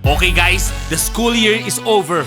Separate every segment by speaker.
Speaker 1: Okay guys, the school year is over.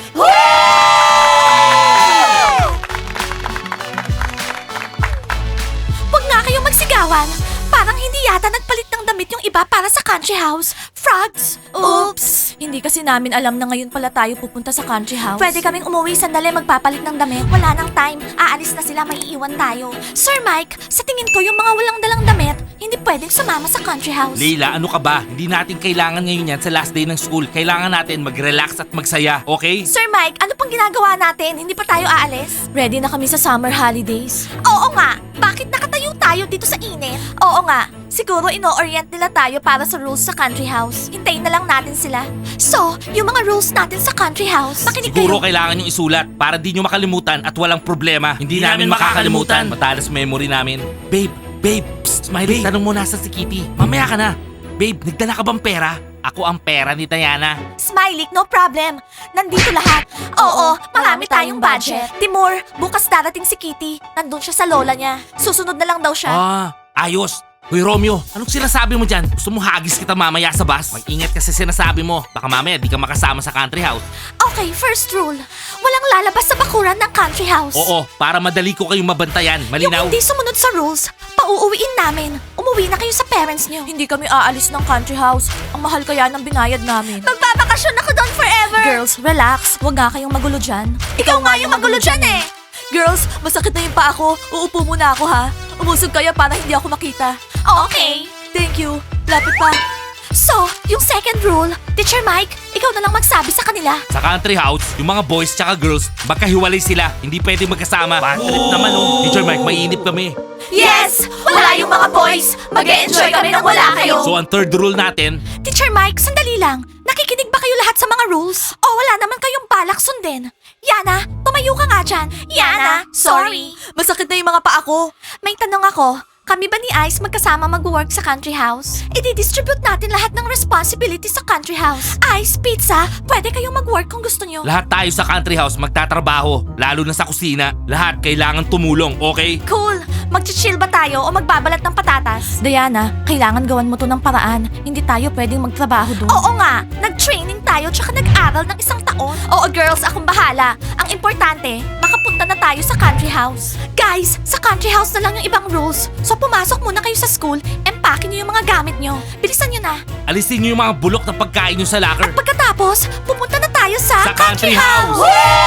Speaker 2: Huwag nga kayong magsigawan. Parang hindi yata nagpalit ng damit yung iba para sa country house. Frogs! Oops! Hindi kasi namin alam na ngayon pala tayo pupunta sa country house. Pwede kaming umuwi sandali magpapalit ng damit. Wala nang time. Aalis na sila, maiiwan tayo. Sir Mike, sa tingin ko yung mga walang dalang damit, hindi pwedeng sumama sa country house.
Speaker 1: Leila, ano ka ba? Hindi natin kailangan ngayon yan sa last day ng school. Kailangan natin mag-relax at magsaya, okay?
Speaker 2: Sir Mike, ano pang ginagawa natin? Hindi pa tayo aalis? Ready na kami sa summer holidays. Oo nga! Bakit nakatayo tayo dito sa init? Oo nga. Siguro ino-orient nila tayo para sa rules sa country house. Hintayin na lang natin sila. So, yung mga rules natin sa country house, makinig
Speaker 1: Siguro
Speaker 2: kayo.
Speaker 1: kailangan yung isulat para di nyo makalimutan at walang problema. Hindi namin makakalimutan. Matalas memory namin. Babe, psst, Smiley, tanong mo nasa si Kitty. Mamaya ka na. Babe, nagdala ka bang pera? Ako ang pera ni Diana.
Speaker 2: Smiley, no problem. Nandito lahat. Oo, marami tayong budget. Timur, bukas darating si Kitty. Nandun siya sa lola niya. Susunod na lang daw siya.
Speaker 1: Ayos. Hoy Romeo, anong sinasabi mo dyan? Gusto mo hagis kita mamaya sa bus? Mag-ingat kasi sinasabi mo. Baka mamaya di ka makasama sa country house.
Speaker 2: Okay, first rule. Walang lalabas sa bakuran ng country house.
Speaker 1: Oo, para madali ko kayong mabantayan.
Speaker 2: Yung
Speaker 1: Malinaw?
Speaker 2: hindi sumunod sa rules, pauuwiin namin. Umuwi na kayo sa parents niyo. Hindi kami aalis ng country house. Ang mahal kaya ng binayad namin. Magbabakasyon ako doon forever. Girls, relax. Huwag nga kayong magulo dyan. Ikaw nga yung magulo dyan eh. Girls, masakit na yung paa ko. Uupo muna ako ha. Umusog kayo para hindi ako makita. Okay. Thank you. Lapit pa. So, yung second rule, Teacher Mike, ikaw na lang magsabi sa kanila.
Speaker 1: Sa country house, yung mga boys tsaka girls, magkahiwalay sila. Hindi pwede magkasama. Bad trip naman oh. Teacher Mike, maiinip kami.
Speaker 2: Yes! Wala yung mga boys! Mag-e-enjoy kami nang wala kayo!
Speaker 1: So ang third rule natin,
Speaker 2: Teacher Mike, sandali lang. Nakikinig ba kayo lahat sa mga rules? O wala naman kayong balak sundin? Yana, tumayo ka nga dyan. Yana, sorry. Masakit na yung mga paa ko. May tanong ako. Kami ba ni Ice magkasama mag-work sa country house? I-distribute natin lahat ng responsibility sa country house. Ice, Pizza, pwede kayong mag-work kung gusto nyo.
Speaker 1: lahat tayo sa country house magtatrabaho. Lalo na sa kusina. Lahat kailangan tumulong, okay?
Speaker 2: Cool! Mag-chill ba tayo o magbabalat ng patatas? Diana, kailangan gawan mo to ng paraan. Hindi tayo pwedeng magtrabaho doon. Oo nga! Nag-training tayo tsaka nag-aral ng 1 taon. Oo girls, akong bahala. Ang importante, makapunta na tayo sa country house. Guys, sa country house na lang yung ibang rules. So pumasok muna kayo sa school, empake nyo yung mga gamit nyo. Bilisan nyo na.
Speaker 1: Alisin niyo yung mga bulok na pagkain niyo sa locker.
Speaker 2: Pagkatapos, pupunta na tayo sa,
Speaker 1: Sa country house!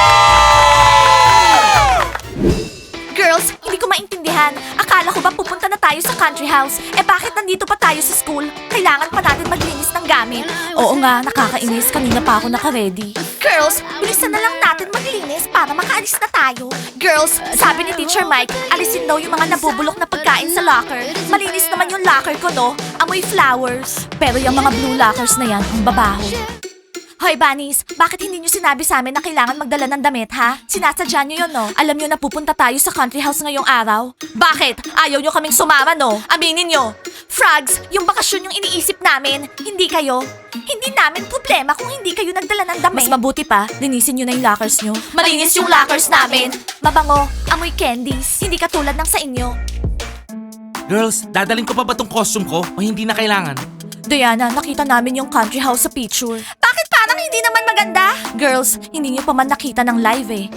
Speaker 2: Girls, hindi ko maintindihan. Akala ko ba pupunta na tayo sa country house? Eh bakit nandito pa tayo sa school? Kailangan pa natin maglinis ng gamit. Oo nga, nakakainis. Kanina pa ako naka-ready. Girls, bilisan na lang natin maglinis para makaalis na tayo. Girls, sabi ni Teacher Mike, alisin daw yung mga nabubulok na pagkain sa locker. Malinis naman yung locker ko, no? Amoy flowers. Pero yung mga blue lockers na yan, ang babaho. Hoy, Bunnies! Bakit hindi nyo sinabi sa amin na kailangan magdala ng damit, ha? Sinasadya nyo yun, no? Alam nyo na pupunta tayo sa country house ngayong araw? Bakit? Ayaw nyo kaming sumama, no? Aminin nyo! Frogs, yung bakasyon yung iniisip namin, hindi kayo. Hindi namin problema kung hindi kayo nagdala ng damit. Mas mabuti pa, linisin nyo na yung lockers nyo. Malinis yung lockers namin! Mabango, amoy candies. Hindi katulad ng sa inyo.
Speaker 1: Girls, dadalhin ko pa ba tong costume ko o hindi na kailangan?
Speaker 2: Diana, nakita namin yung country house sa picture. Bakit parang hindi naman maganda? Girls, hindi niyo pa man nakita ng live eh.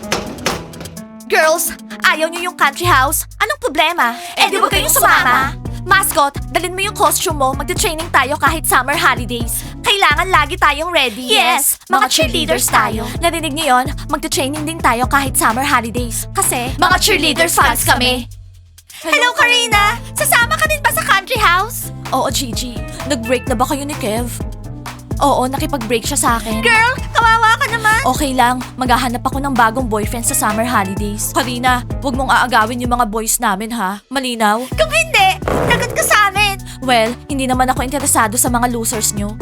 Speaker 2: Girls, ayaw niyo yung country house? Anong problema? Eh di wag kayong sumama. Mascot, dalhin mo yung costume mo. Magte-training tayo kahit summer holidays. Kailangan lagi tayong ready. Yes, mga cheerleaders tayo. Narinig niyo yon? Magte-training din tayo kahit summer holidays. Kasi mga cheerleaders fans kami. Hello, Karina! Sasama ka din ba sa country house? Oo, Gigi. Nag-break na ba kayo ni Kev? Oo, nakipag-break siya sa akin. Girl, kawawa ka naman! Okay lang, maghahanap ako ng bagong boyfriend sa summer holidays. Karina, huwag mong aagawin yung mga boys namin ha. Malinaw? Kung hindi, lagot ka sa amin! Well, hindi naman ako interesado sa mga losers nyo.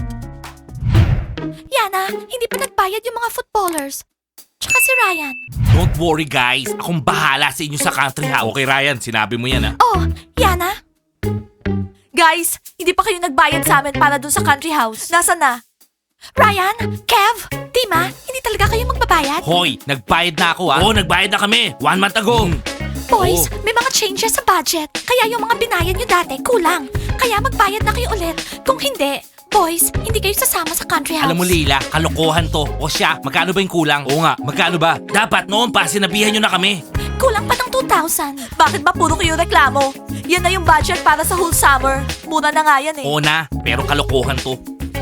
Speaker 2: Yana, hindi pa nagbayad yung mga footballers. Tsaka si Ryan.
Speaker 1: Don't worry guys, akong bahala sa inyo sa country house. Okay Ryan, sinabi mo yan ah.
Speaker 2: Oh, Yana? Guys, hindi pa kayo nagbayad sa amin para dun sa country house. Nasaan na? Ryan? Kev? Tima? Hindi talaga kayo magbabayad?
Speaker 1: Hoy, nagbayad na ako ah. Oo, nagbayad na kami. 1 month ago.
Speaker 2: Boys, may mga changes sa budget. Kaya yung mga binayad nyo dati, kulang. Kaya magbayad na kayo ulit. Kung hindi, Boys, hindi kayo sasama sa country house.
Speaker 1: Alam mo, Leila, kalokohan to. O siya, magkano ba yung kulang? Oo nga, magkano ba? Dapat noon pa, sinabihan nyo na kami.
Speaker 2: Kulang pa ng 2,000. Bakit ba puro kayo reklamo? Yan na yung budget para sa whole summer. Muna na nga yan eh.
Speaker 1: Oo na, pero kalokohan to.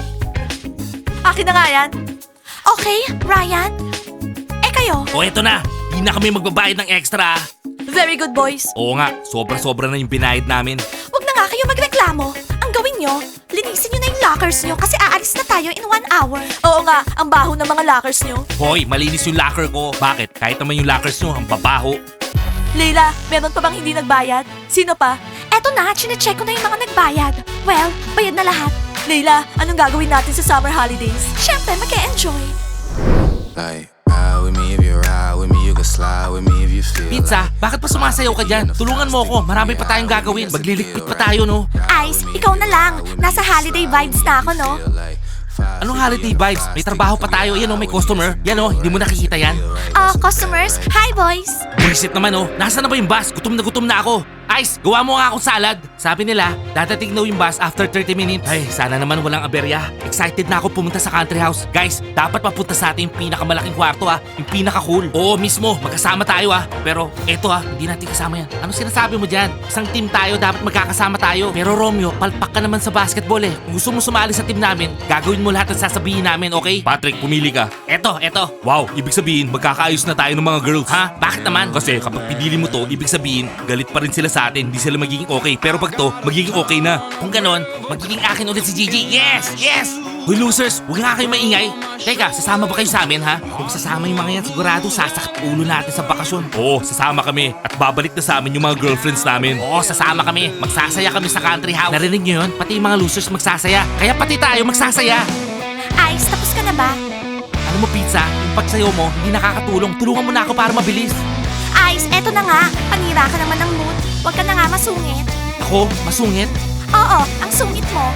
Speaker 2: Akin na nga yan. Okay, Ryan. Eh kayo?
Speaker 1: O eto na, di na kami magbabayad ng extra.
Speaker 2: Very good, boys.
Speaker 1: Oo nga, sobra-sobra na yung binayad namin.
Speaker 2: Huwag na nga kayo magreklamo. Ang gawin nyo, linisin nyo na yung lockers nyo kasi aalis na tayo in 1 hour. Oo nga, ang baho ng mga lockers nyo.
Speaker 1: Hoy, malinis yung locker ko. Bakit? Kahit naman yung lockers nyo, ang babaho.
Speaker 2: Leila, meron pa bang hindi nagbayad? Sino pa? Eto na, chinecheck ko na yung mga nagbayad. Well, bayad na lahat. Leila, anong gagawin natin sa summer holidays? Siyempre, mag-e-enjoy.
Speaker 3: Like, ride with me if you ride with me, you can slide with me if you feel
Speaker 1: Pizza, bakit pa sumasayaw ka dyan? Tulungan mo ako, marami pa tayong gagawin. Magliligpit pa tayo, no?
Speaker 2: Ice, ikaw na lang. Nasa holiday vibes na ako, no?
Speaker 1: Anong holiday vibes? May trabaho pa tayo. Yan o, may customer. Yan o, hindi mo nakikita yan.
Speaker 2: Customers, hi boys.
Speaker 1: Buisit naman o. Nasaan na ba yung bus? Gutom na ako. Ice, gawa mo nga akong salad. Sabi nila, dadating daw yung bus after 30 minutes. Ay, sana naman walang aberya. Excited na ako pumunta sa country house. Guys, dapat mapunta sa atin yung pinakamalaking kwarto Yung pinaka-cool. Oo, mismo. Magkasama tayo Pero eto hindi natin kasama yan. Ano sinasabi mo dyan? Isang team tayo, dapat magkakasama tayo. Pero Romeo, palpak ka naman sa basketball Kung gusto mo sumali sa team namin, gagawin mo lahat ng sasabihin namin, okay? Patrick, pumili ka. Eto. Wow, ibig sabihin, magkakaayos na tayo ng mga girls. Ha? Bakit naman? Kasi kapag pinili mo to, ibig sabihin, galit pa rin sila sa atin. Hindi sila magiging okay. Pero pag to, magiging okay na. Kung ganon, magiging akin ulit si Gigi. Yes! Yes! Hoy losers, huwag nga kayo maingay. Teka, sasama ba kayo sa amin ha? Kung sasama yung mga yan, sigurado sasakit ulo natin sa bakasyon. Oo, sasama kami. At babalik na sa amin yung mga girlfriends namin. Oo, sasama kami. Magsasaya kami sa country house. Narinig nyo yun? Pati yung mga losers magsasaya. Kaya pati tayo magsasaya.
Speaker 2: Ice, tapos ka na ba?
Speaker 1: Alam mo pizza, yung pagsayaw mo, hindi nakakatulong. Tulungan mo na ako para mabilis.
Speaker 2: Ice, eto na nga. Panira ka naman ng mood. Huwag ka na nga masungit.
Speaker 1: Ako, masungit.
Speaker 2: Oo, ang sungit mo.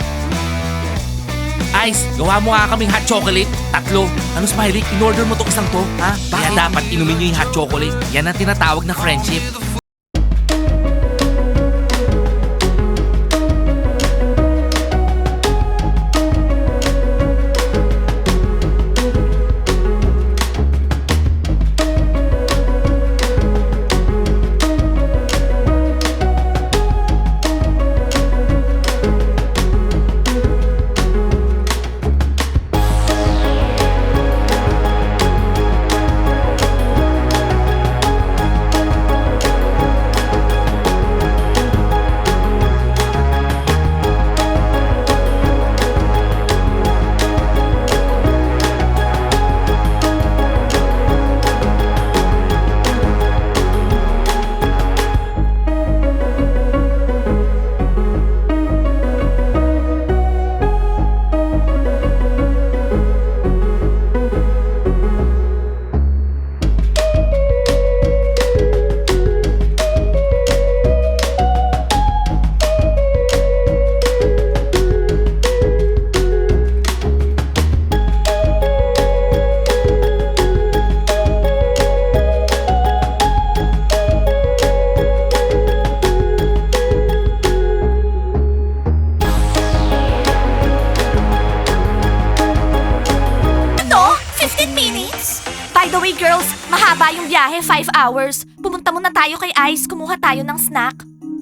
Speaker 1: Ice, gawa mo nga kaming hot chocolate. 3. Ano Smiley, in-order mo tong isang to, ha? Kaya dapat inumin nyo yung hot chocolate. Yan ang tinatawag na friendship.
Speaker 2: Ano? 15 minutes? By the way, girls, mahaba yung biyahe, 5 hours. Pumunta muna tayo kay Ice, kumuha tayo ng snack.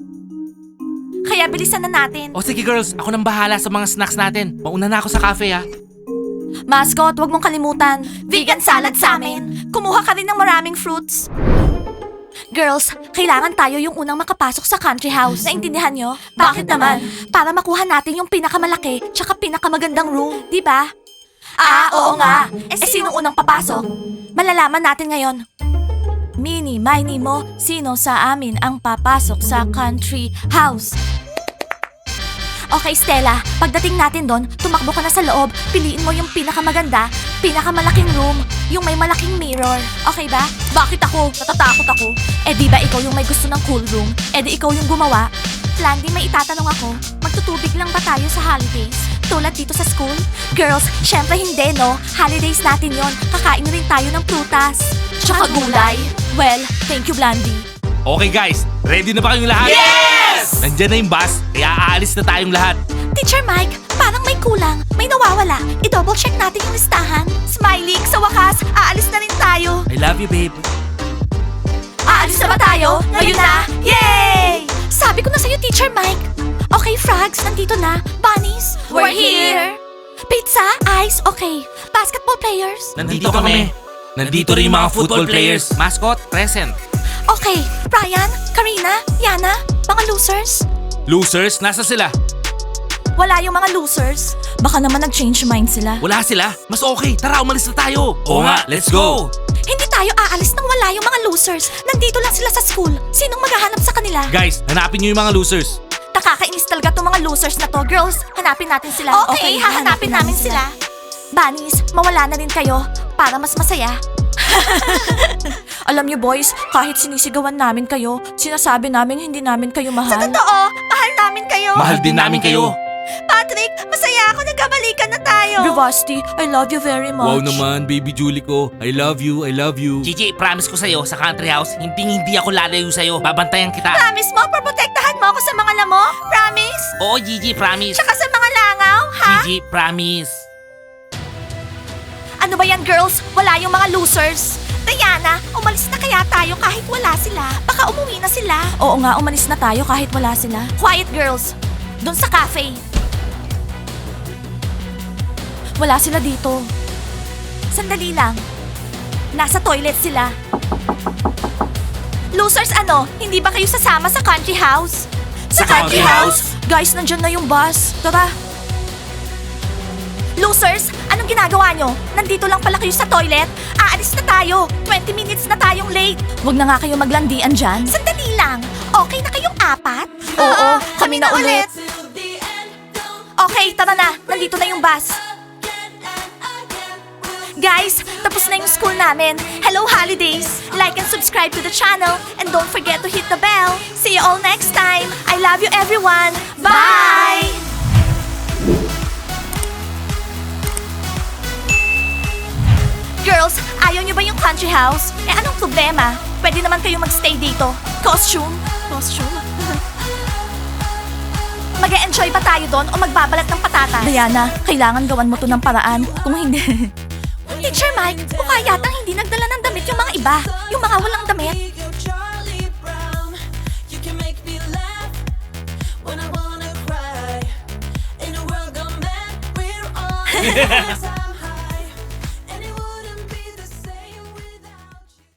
Speaker 2: Kaya bilisan na natin.
Speaker 1: O sige girls, ako nang bahala sa mga snacks natin. Mauna na ako sa cafe
Speaker 2: Mascot, wag mong kalimutan. Vegan salad sa amin. Kumuha ka rin ng maraming fruits. Girls, kailangan tayo yung unang makapasok sa country house. Naintindihan nyo? Bakit naman? Para makuha natin yung pinakamalaki tsaka pinakamagandang room, di ba? Oo nga. Sino unang papasok? Malalaman natin ngayon. Mini, Miney mo, sino sa amin ang papasok sa country house? Okay, Stella, pagdating natin doon, tumakbo ka na sa loob, piliin mo yung pinakamaganda, pinakamalaking room, yung may malaking mirror. Okay ba? Bakit ako? Natatakot ako. Eh di ba ikaw yung may gusto ng cool room? Eh di ikaw yung gumawa? Landy, may itatanong ako. Magtutubig lang ba tayo sa holidays? Tulad dito sa school? Girls, syempre hindi, no? Holidays natin yon. Kakain rin tayo ng prutas. Tsaka gulay. Well, thank you, Blandy.
Speaker 1: Okay guys, ready na ba kayong lahat?
Speaker 2: Yes!
Speaker 1: Nandyan na yung bus, kaya aalis na tayong lahat.
Speaker 2: Teacher Mike, Parang may kulang, may nawawala. I-double check natin yung listahan. Smiley, sa wakas, aalis na rin tayo.
Speaker 1: I love you, babe.
Speaker 2: Aalis na ba tayo? Ngayon na? Yay! Sabi ko na sa'yo, Teacher Mike. Okay, Frogs, nandito na. Bunnies, we're here. Pizza, ice, okay. Basketball players.
Speaker 1: Nandito kami. Nandito rin yung mga football players. Mascot, present.
Speaker 2: Okay, Brian, Karina, Yana, mga losers.
Speaker 1: Losers, nasa sila?
Speaker 2: Wala yung mga losers. Baka naman nag-change mind sila.
Speaker 1: Wala sila? Mas okay. Tara, umalis na tayo. Oo nga, let's go.
Speaker 2: Hindi tayo aalis nang wala yung mga losers. Nandito lang sila sa school. Sinong maghahanap sa kanila?
Speaker 1: Guys, hanapin niyo yung mga losers.
Speaker 2: Nakakainis talaga tong mga losers na to. Girls, hanapin natin sila. Okay, hahanapin namin sila. Bunnies, mawala na rin kayo para mas masaya. Alam niyo boys, kahit sinisigawan namin kayo, sinasabi namin hindi namin kayo mahal. Sa totoo, mahal namin kayo.
Speaker 1: Mahal din namin kayo.
Speaker 2: Patrick, masaya ako nagkabalikan na tayo. Vivasti, I love you very much.
Speaker 1: Wow naman, baby Julie ko. I love you, I love you. Gigi, promise ko sa'yo, sa country house, hindi ako lalayo sa'yo. Babantayan kita.
Speaker 2: Promise mo, protektahan mo ako sa mga lamo? Promise?
Speaker 1: Oo, Gigi, promise.
Speaker 2: Tsaka sa mga langaw, ha?
Speaker 1: Gigi, promise.
Speaker 2: Ano ba yan, girls? Wala yung mga losers. Diana, umalis na kaya tayo kahit wala sila. Baka umuwi na sila. Oo nga, umalis na tayo kahit wala sila. Quiet, girls. Doon sa cafe. Wala sila dito. Sandali lang. Nasa toilet sila. Losers ano? Hindi ba kayo sasama sa country house?
Speaker 1: Sa country house?
Speaker 2: Guys, nandyan na yung bus. Tara. Losers, anong ginagawa nyo? Nandito lang pala kayo sa toilet? Aalis na tayo. 20 minutes na tayong late. Huwag na nga kayo maglandian dyan. Sandali lang. Okay na kayong apat? Oo, kami na ulit. Okay, tara na. Nandito na yung bus. Guys, tapos na yung school namin. Hello, holidays! Like and subscribe to the channel. And don't forget to hit the bell. See you all next time. I love you, everyone. Bye! Girls, ayaw nyo ba yung country house? Eh, anong problema? Pwede naman kayo magstay dito. Costume? Costume? Mag-e-enjoy ba tayo doon o magbabalat ng patatas? Diana, kailangan gawan mo to ng paraan. Kung hindi... Teacher Mike, mukha yatang hindi nagdala ng damit yung mga iba. Yung mga walang damit.
Speaker 4: Charlie Brown, you can make me laugh when I wanna cry. In a world gone mad, we're all